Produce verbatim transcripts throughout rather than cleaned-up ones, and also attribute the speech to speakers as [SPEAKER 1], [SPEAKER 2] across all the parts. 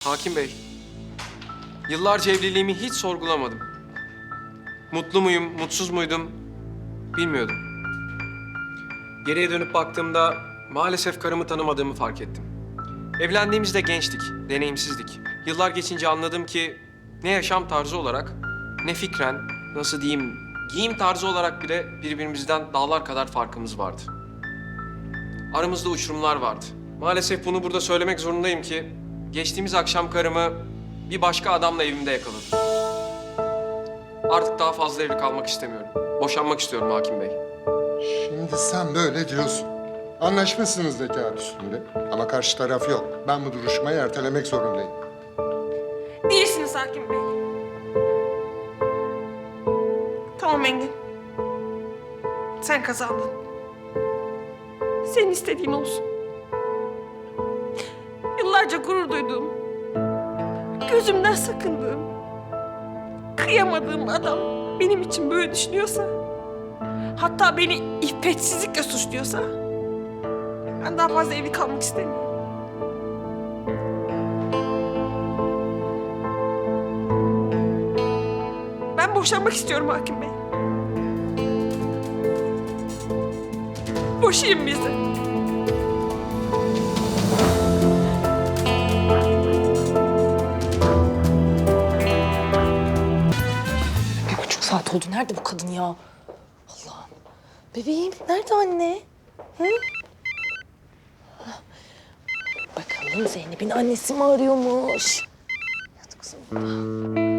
[SPEAKER 1] Hakim Bey, yıllarca evliliğimi hiç sorgulamadım. Mutlu muyum, mutsuz muydum bilmiyordum. Geriye dönüp baktığımda maalesef karımı tanımadığımı fark ettim. Evlendiğimizde gençtik, deneyimsizdik. Yıllar geçince anladım ki ne yaşam tarzı olarak ne fikren, nasıl diyeyim, giyim tarzı olarak bile birbirimizden dağlar kadar farkımız vardı. Aramızda uçurumlar vardı. Maalesef bunu burada söylemek zorundayım ki geçtiğimiz akşam karımı bir başka adamla evimde yakaladım. Artık daha fazla evli kalmak istemiyorum. Boşanmak istiyorum Hakim Bey.
[SPEAKER 2] Şimdi sen böyle diyorsun. Anlaşmışsınız da kağıt üstünde. Ama karşı taraf yok. Ben bu duruşmayı ertelemek zorundayım.
[SPEAKER 3] Değilsiniz Hakim Bey. Tamam Engin. Sen kazandın. Senin istediğin olsun. Yıllarca gurur duyduğum, gözümden sakındığım, kıyamadığım adam benim için böyle düşünüyorsa, hatta beni iffetsizlikle suçluyorsa, ben daha fazla evli kalmak istemiyorum. Ben boşanmak istiyorum Hakim Bey. Boşayın bizi.
[SPEAKER 4] Bir buçuk saat oldu. Nerede bu kadın ya? Allah'ım. Bebeğim, nerede anne? Hı? Bakalım Zeynep'in annesi mi arıyormuş? Hadi kızım.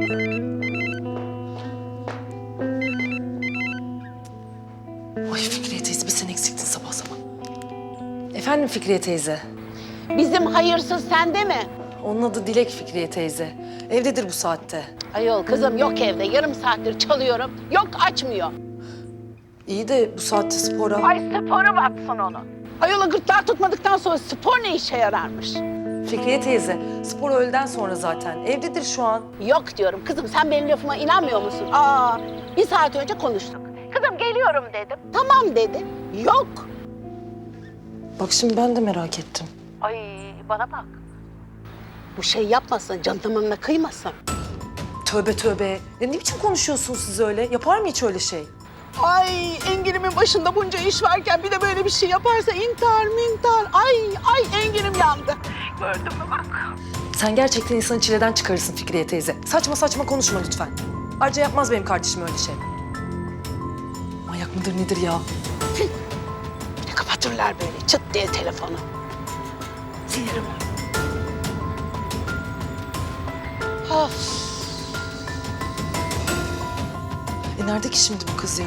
[SPEAKER 4] Ay Fikriye teyze, bir sen eksiktin sabah sabah. Efendim Fikriye teyze?
[SPEAKER 5] Bizim hayırsız sende mi?
[SPEAKER 4] Onun adı Dilek Fikriye teyze. Evdedir bu saatte.
[SPEAKER 5] Ayol kızım yok evde. Yarım saattir çalıyorum. Yok açmıyor.
[SPEAKER 4] İyi de bu saatte spora...
[SPEAKER 5] Ay spora baksın onu. Ayola gırtlağı tutmadıktan sonra spor ne işe yararmış?
[SPEAKER 4] Fikriye teyze, spor öğleden sonra zaten. Evdedir şu an.
[SPEAKER 5] Yok diyorum. Kızım sen benim lafıma inanmıyor musun? Aa, bir saat önce konuştuk. Kızım geliyorum dedim. Tamam dedi. Yok.
[SPEAKER 4] Bak şimdi ben de merak ettim.
[SPEAKER 5] Ay bana bak. Bu şey yapmasın, canımına kıymasın.
[SPEAKER 4] Tövbe tövbe. Ya ne biçim konuşuyorsunuz siz öyle? Yapar mı hiç öyle şey?
[SPEAKER 5] Ay Engin'imin başında bunca iş varken bir de böyle bir şey yaparsa intihar mintihar. Ay ay Engin'im yandı. Gördün mü bak.
[SPEAKER 4] Sen gerçekten insanı çileden çıkarırsın Fikriye teyze. Saçma saçma konuşma lütfen. Ayrıca yapmaz benim kardeşim öyle şey. Manyak mıdır nedir ya?
[SPEAKER 5] Kapatırlar böyle çıt diye telefonu. Sinirim. Of.
[SPEAKER 4] E nerede ki şimdi bu kız ya?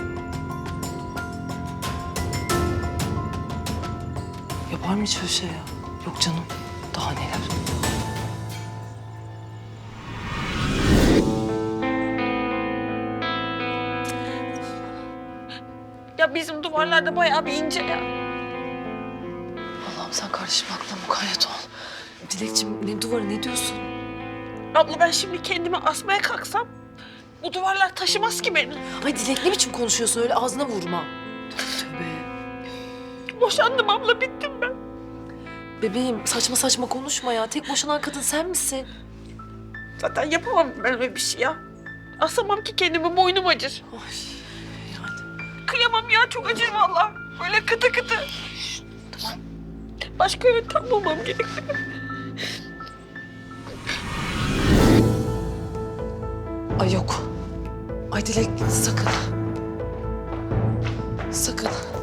[SPEAKER 4] Yapar mı hiç öyle şey ya? Yok canım. Daha neler?
[SPEAKER 3] Ya bizim duvarlarda bayağı bir ince ya.
[SPEAKER 4] Allah'ım sen kardeşim aklına mukayyet ol. Dilekçim ne duvarı ne diyorsun?
[SPEAKER 3] Abla ben şimdi kendimi asmaya kalksam bu duvarlar taşımaz ki beni.
[SPEAKER 4] Ay Dilek ne biçim konuşuyorsun öyle ağzına vurma. Tövbe tövbe.
[SPEAKER 3] Boşandım abla, bittim ben.
[SPEAKER 4] Bebeğim saçma saçma konuşma ya. Tek boşanan kadın sen misin?
[SPEAKER 3] Zaten yapamam ben öyle bir şey ya. Asamam ki kendimi, boynum acır.
[SPEAKER 4] Ay yani.
[SPEAKER 3] Kıyamam ya, çok acır vallahi. Böyle kıtı kıtı. Tamam. Başka yöntem bulmam gerekiyor.
[SPEAKER 4] Ay yok. Ay Dilek sakın. Sakın.